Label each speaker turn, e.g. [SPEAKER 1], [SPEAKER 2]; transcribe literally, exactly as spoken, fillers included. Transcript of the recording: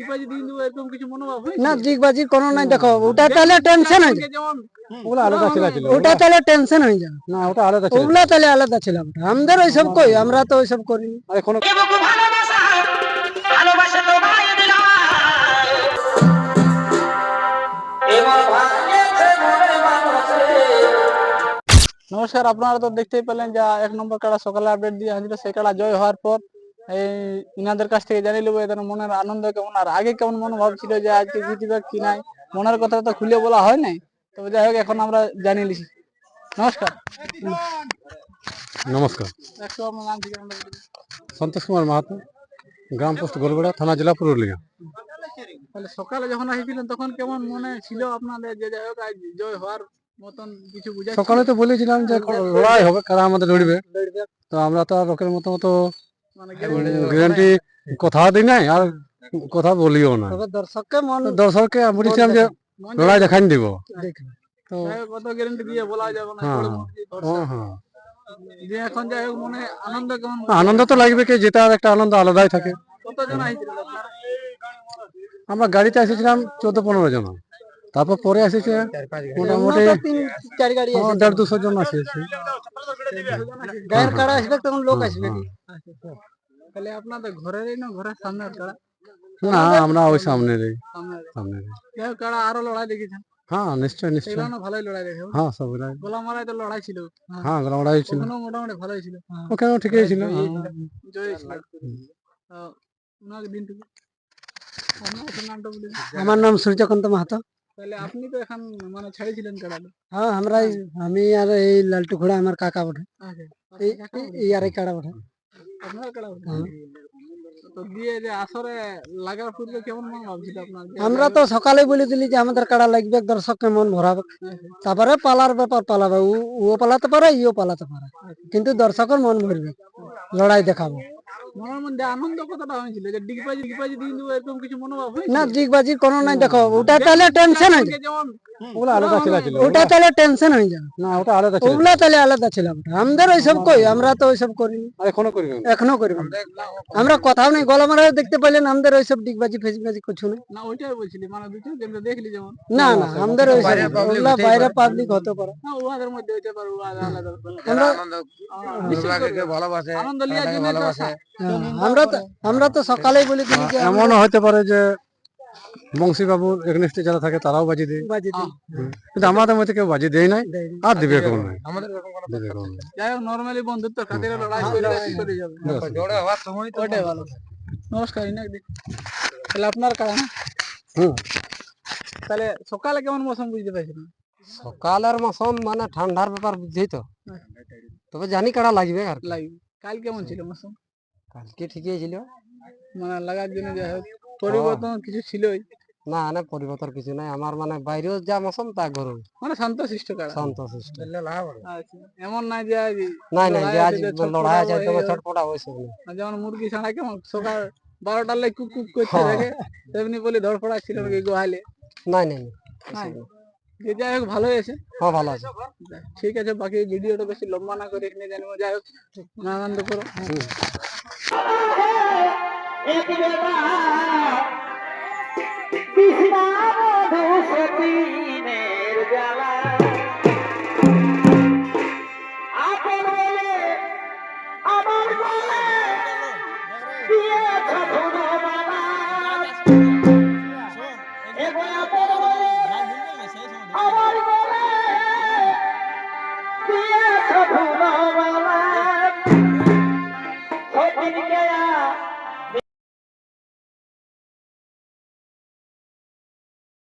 [SPEAKER 1] ডিগবাজি দিয়ে দেবো এরকম কিছু মনোভাব হয়েছে?
[SPEAKER 2] না, ডিগবাজির কোনো নাই। দেখো ওটা তাহলে টেনশন হয়ে যায়,
[SPEAKER 1] যেমন
[SPEAKER 3] ওগুলো আলাদা ছিল ছিল
[SPEAKER 2] ওটা তাহলে টেনশন হয়ে যায়।
[SPEAKER 3] না, ওটা আলাদা ছিল।
[SPEAKER 2] ওগুলা তাহলে আলাদা ছিল। আমাদের ওইসব কই, আমরা তো ওইসব করিনি।
[SPEAKER 3] আর এখনো
[SPEAKER 1] নমস্কার, আপনারা তো দেখতেই পেলেন যে এক নম্বর কাড়া সকালে আপডেট দিয়ে হাজির। সেই কাড়া জয় হওয়ার পর এই ইনাদের কাছ থেকে জানিয়ে নেবো এদের মনের আনন্দ কেমন, আর আগে কেমন মনোভাব ছিল যে আজকে জিতবে কি নাই। মনের কথা তো খুলে বলা হয় নাই, তবে যাই হোক এখন আমরা জানিয়ে নিছি। নমস্কার।
[SPEAKER 3] নমস্কার।
[SPEAKER 1] একটু আপনার নাম ঠিকানা বলুন।
[SPEAKER 3] সন্তোষ কুমার মাহাতো, গ্রাম পোস্ট গোলবেড়া, থানা জেলা পুরুলিয়া।
[SPEAKER 1] তাহলে সকালে যখন আসছিলেন তখন কেমন মনে ছিল আপনাদের যে যাই হোক আজ জয় হওয়ার মতন কিছু বুঝাচ্ছিল?
[SPEAKER 3] সকালে তো বলেছিলাম যে লড়াই হবে, কারা আমাদের লড়বে। তো আমরা তো আর লোকের মতো মতো
[SPEAKER 1] মানে
[SPEAKER 3] গ্যারান্টি কথা দিই নাই আর কথা বলিও না।
[SPEAKER 2] তবে দর্শককে মন
[SPEAKER 3] দর্শককে বলেছিলাম যে লড়াই দেখাই দিব। তো
[SPEAKER 1] যাই হোক কত গ্যারান্টি দিয়ে বলা যাবে না।
[SPEAKER 3] হ্যাঁ
[SPEAKER 1] বড় মূর্তি দর্শক।
[SPEAKER 3] হ্যাঁ হ্যাঁ
[SPEAKER 1] যে এখন যাই হোক মনে আনন্দ কেমন?
[SPEAKER 3] আনন্দ তো লাগবে, কি জেতার একটা আনন্দ আলাদাই থাকে।
[SPEAKER 1] কতজন আসছিলেন আপনারা?
[SPEAKER 3] আমরা গাড়িতে এসেছিলাম চোদ্দ পনেরো জন, তারপর পরে এসেছে মোটামুটি
[SPEAKER 2] তিন চার গাড়ি
[SPEAKER 3] হ্যাঁ,
[SPEAKER 2] আছে।
[SPEAKER 3] দেড় দুশো জন এসেছে।
[SPEAKER 2] গায়ের কাড়া আসবে তখন লোক আসবে।
[SPEAKER 1] তাহলে আপনাদের ঘরেরই না ঘরের সামনের কাড়া?
[SPEAKER 3] না, আমরা ওই সামনের
[SPEAKER 1] সামনের।
[SPEAKER 3] সামনের
[SPEAKER 1] যাই হোক কাড়া আরো লড়াই দেখেছেন?
[SPEAKER 3] হ্যাঁ নিশ্চয় নিশ্চয়।
[SPEAKER 1] সেগুলো ভালোই লড়াই দেখে।
[SPEAKER 3] হ্যাঁ সব লড়াই,
[SPEAKER 1] গোলা মারায় তো লড়াই ছিল।
[SPEAKER 3] হ্যাঁ লড়াই ছিল,
[SPEAKER 1] ওখানেও মোটামুটি ভালোই ছিল।
[SPEAKER 3] ওখানেও ঠিকই ছিল।
[SPEAKER 1] জয় ছিল। তো ওনাকে দিন থেকে আপনার একটু নামটা বলে দিন।
[SPEAKER 2] আমার নাম সূর্যকান্ত মাহাতো।
[SPEAKER 1] তাহলে আপনি তো এখন মানে ছাড়িয়েছিলেন কাড়াটা?
[SPEAKER 2] হ্যাঁ, আমরা আমি আর এই লালটু ঘোড়া আমার কাকা বটে।
[SPEAKER 1] আচ্ছা,
[SPEAKER 2] এই এই আর এই কাড়া বটে।
[SPEAKER 1] আপনার কাড়া? তো দিয়ে যে আসরে লাগার পূর্বে কেমন মন ভাবছিল আপনার?
[SPEAKER 2] আমরা তো সকালে বলে দিলি যে আমাদের কাড়া লাগবে, দর্শককে মন ভরাবে। তারপরে পালার ব্যাপার পালাবে, ও- ও পালাতে পারে, ইও পালাতে পারে, কিন্তু দর্শকের মন ভরবে, লড়াই দেখাবো।
[SPEAKER 1] মনের মধ্যে আনন্দ কতটা হয়েছিল যে ডিগবাজি ডিগবাজি দিয়ে দেবো এরকম কিছু মনোভাব হয়েছিল?
[SPEAKER 2] না, ডিগবাজির কোনো নাই। দেখো ওটা তাহলে টেনশন হয়ে যায়,
[SPEAKER 1] যেমন
[SPEAKER 3] ওগুলো আলাদা ছিল ছিল
[SPEAKER 2] ওটা তাহলে টেনশন হয়ে যায়।
[SPEAKER 3] না, ওটা আলাদা ছিল।
[SPEAKER 2] ওগুলা তাহলে আলাদা ছিল। আমাদের ওইসব কই, আমরা তো ওইসব করিনি,
[SPEAKER 3] আর এখনো করবেন।
[SPEAKER 2] এখনো করবো। আমরা কথাও নেই, গলা মারা দেখতে পাইলেন। আমাদের ওইসব ডিগবাজি ফেসবাজি কিছু নেই।
[SPEAKER 1] না ওইটাই বলছিলি, মানে দুটো কিন্তু দেখলি যেমন
[SPEAKER 2] না না, আমাদের ওইসব ওগুলা বাইরে পাবলিক হতে পারে।
[SPEAKER 1] না উহাদের মধ্যে হইতে পারে, উহাদের আলাদা
[SPEAKER 2] আমরা
[SPEAKER 1] ভালোবাসে আনন্দ লিয়ার জন্য তো আসা।
[SPEAKER 2] হ্যাঁ, আমরা তো আমরা তো সকালেই বলে দিই যে
[SPEAKER 3] এমনও হতে পারে যে বংশী বাবুর এগনেস্টে যারা থাকে তারাও বাজি দেয়,
[SPEAKER 2] বাজি দিই।
[SPEAKER 3] কিন্তু আমাদের মধ্যে কেউ বাজি দেয় নাই আর দিবে কেউ নাই।
[SPEAKER 1] যাই হোক নরমালি বন্ধুত্ব খাতিরে লড়াই করে করে যাবে। ওটাই ভালো। নমস্কার ইনাক দি। তাহলে আপনার কারণ
[SPEAKER 3] হুম
[SPEAKER 1] তাহলে সকালে কেমন মৌসুম বুঝতে পারছিলেন?
[SPEAKER 2] সকালের মৌসুম মানে ঠান্ডার ব্যাপার বুঝছেই তো, তবে জানি কাড়া লাগবে। আর
[SPEAKER 1] লাগবে। কাল কেমন ছিল মৌসুম?
[SPEAKER 2] কালকে ঠিকই ছিল,
[SPEAKER 1] মানে লাগার জন্য যাই হোক পরিবর্তন কিছু ছিলই?
[SPEAKER 2] না না পরিবর্তন কিছু নাই। আমার মানে বাইরেও যা মৌসুম তা গরম,
[SPEAKER 1] মানে শান্তশিষ্ট কাড়া।
[SPEAKER 2] শান্তশিষ্ট।
[SPEAKER 1] আচ্ছা, এমন নাই যে আজ
[SPEAKER 2] নাই নাই যে আজ
[SPEAKER 1] লড়াই
[SPEAKER 2] লড়াই আছে
[SPEAKER 1] ছটফটাবো,
[SPEAKER 2] তোমার
[SPEAKER 1] এই
[SPEAKER 2] ছটপটা হয়েছে না।
[SPEAKER 1] আর যেমন মুরগি ছাড়া কেমন সকাল বারোটার লাই কুক কুক করতে থাকে তেমনি বলে ধরফড়া ছিল নাকি গোহালে?
[SPEAKER 2] নাই নাই নাই।
[SPEAKER 1] নাই। যে যাই হোক ভালো হয়েছে।
[SPEAKER 2] হ্যাঁ ভালো আছে।
[SPEAKER 1] ঠিক আছে, বাকি ভিডিওটা বেশি লম্বা না করে এখানে জানবো। যাই হোক আনন্দ করো।
[SPEAKER 4] एक बेटा कृष्णा मधुसती